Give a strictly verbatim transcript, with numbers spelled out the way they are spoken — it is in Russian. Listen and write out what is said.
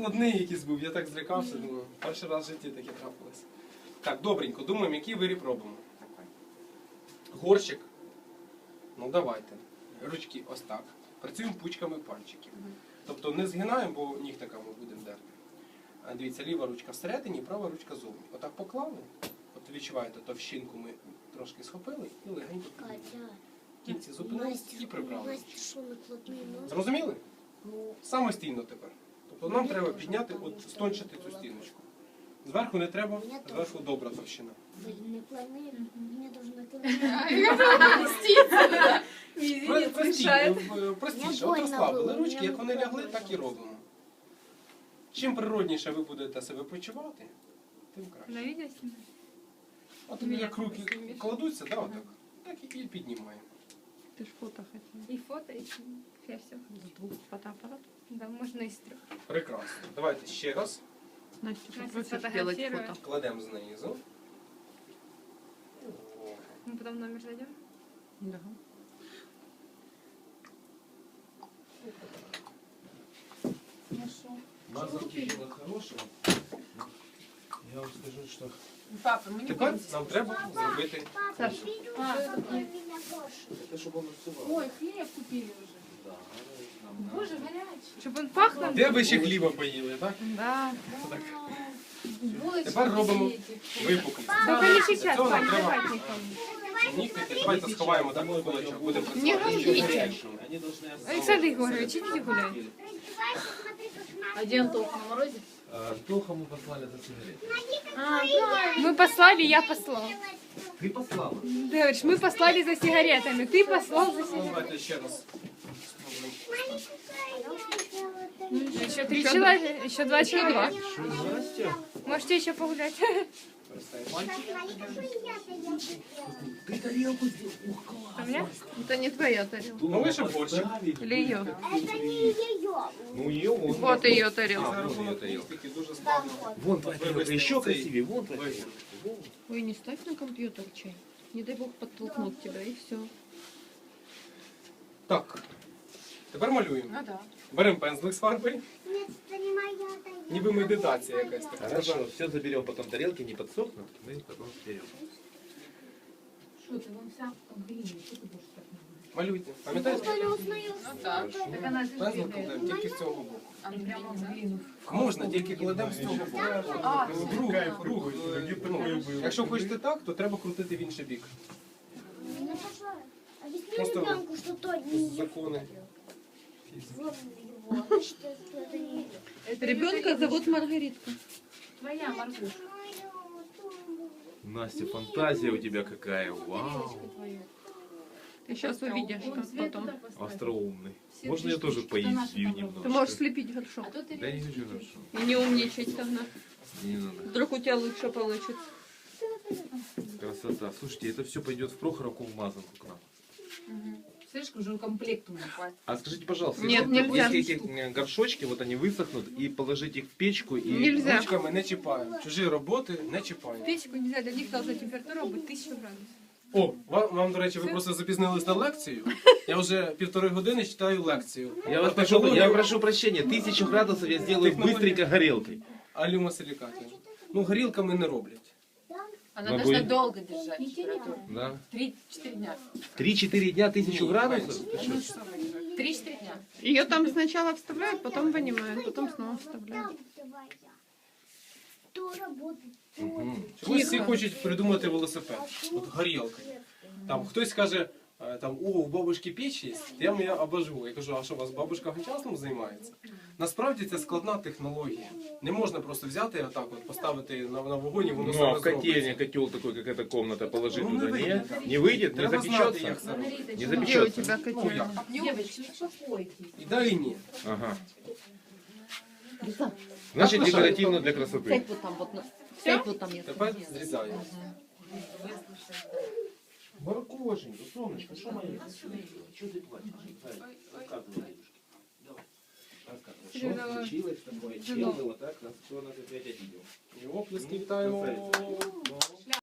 складний якийсь був, я так злякався, думаю, перший раз в житті таке трапилось. Так, добренько, думаємо, який виріб робимо. Горщик. Ну давайте. Ручки ось так. Працюємо пучками пальчиків. Тобто не згинаємо, бо нігтиками будемо дерти. А дивіться, ліва ручка всередині, права ручка зовні. Отак поклали. От відчуваєте, товщинку ми трошки схопили і легенько підняли. В кінці зупинились і прибрали. Зрозуміли? Самостійно тепер. Тобто нам треба підняти, от стончити цю стіночку. Зверху не треба, зверху добра товщина. Не плани, мені должно Простіше, от розслабили ручки, як вони лягли, так і робимо. Чим природніше ви будете себе почувати, тим краще. От як руки кладуться, да, отак, так і піднімаємо. Ты ж фото хотела. И фото, и я все. С двух фотоаппаратов. Да, можно и с трех. Прекрасно. Давайте ще раз. Настя, Настя попросишь сделать фотографирует. фото. Кладемо знизу. Мы потом номер зайдем. Да. Мазанки діло хороше. Я вам скажу, що... Папа, мені Тепер нам треба зробити... Саш, Те, щоб воно всувало. Ой, хліб купили вже. Боже, гарячий. Чтобы он пах нам. Де ви ще хліба поїли, так? Да. Так. Булочки Тепер робимо ці. випуклість. Только не Для сейчас, цього нам Вань, треба давай никому. нігтики. Давайте сховаємо так в кулачок. Будемо Не працювати. говорите. Александр Егорович, идите гулять. А де Антох на морозі? Тоха мы послали за сигарет. А, да. Мы послали, я послал. Ты послала? Ты говоришь, мы послали за сигаретами, ты послал за сигаретами. Давайте ще раз. Еще три человека, еще два человека. Настя. Можете еще погулять. Ты тарелку сделал. Ух, класс. А у меня? Это не твоя тарелка. Ну ви ще борщик. Или ее. Это не ее. Ну ее вон. Вот ее За тарелка. рахунок нігтиків дуже складно. Вон твоя тарелка. Еще Цей красивее. Вон твоя виріб. тарелка. Ой, не ставь на компьютер чай. Не дай бог подтолкнут тебя, и все. Так. Тепер малюємо. Ну, да. Беремо пензлик з фарбою. Нет, это не моя тарелка. Ніби медитація якась така. Хорошо, все заберем потом тарелки, не подсохнут, мы потом стерем. Що ти, вон вся в глині, що ти будеш так не робити? Малюйте. Пам'ятаєте? Я не узнаю. Ну так. Так вона ж Пензлик кладемо тільки з цього боку. А не прямо в глину. Можна, тільки кладемо з цього боку. А, Рух, рух. е, ну, Якщо хочете так, то треба крутити в інший бік. Не пошла. Объясни Просто ребенку, что то не ее. Закони. Вот его. Значит, что это не ее. Ребенка зовут Маргаритка. твоя Маргуша. Настя, фантазия у тебя какая. Вау. Ты сейчас увидишь, Вон как свет потом. туда поставь. Остроумный. Все Можно я три тоже штучки, это наши поясню там немножко? Ты можешь слепить горшок. А тут ты Да не хочу хорошо. И не умничать тогда. Не надо. Вдруг у тебя лучше получится. Красота. Слушайте, это все пойдет в Прохоровку в мазанку к нам. слишком же комплект у меня. А скажите, пожалуйста, Нет, если, нельзя. если эти э, горшочки, вот они высохнут, и положить их в печку, и... Нельзя. Ручками не чіпаємо. Чужі роботи не чіпаємо. Печку нельзя, для них должна температура быть тысяча градусов. О, вам, вам, до речі, ви просто запізнились на лекцію. Я вже півтори години читаю лекцію. Я вас прошу, я прошу прощения, тысячу градусов я сделаю быстренько горелкой. Алюмосиликатів. Ну, горілками не роблять. Она Могу должна и- долго держать температуру. Да. Три-четыре дня. Три-четыре дня тысячу Не, градусов? Три-четыре дня. Ее там сначала вставляют, потом вынимают, потом снова вставляют. То работает. Мгм. Чомусь всі хочуть придумати велосипед. От горілка. Там хтось каже, е, там, о, у бабушки піч є, я мене обожгу. Я кажу, а що, у вас бабушка гончарством займається? Насправді це складна технологія. Не можна просто взяти отак, от, поставити на, на вогонь і воно Ну, а саме в котельне зробиться. котел такой, как эта комната, положить Ну, не туда, выйдет. не? Не выйдет? Не Треба знати, як запечется? це робити. Не Где у запечется? тебя Ну, котельная? як? Девочки, успокойтесь. І да, і ні. Ага. Значит, декоративно для красоты. Сядь вот там, вот, на- сядь вот там, я Тепер зрізаємо. Баркошенько, сонечко, що моє? Что ты плачешь? Рассказывай, дедушке. Давай. Рассказывай. Что Серега, случилось такое? жену. Чем было так? Нас кто нас опять обидел? І оплески вітаємо. Красавица.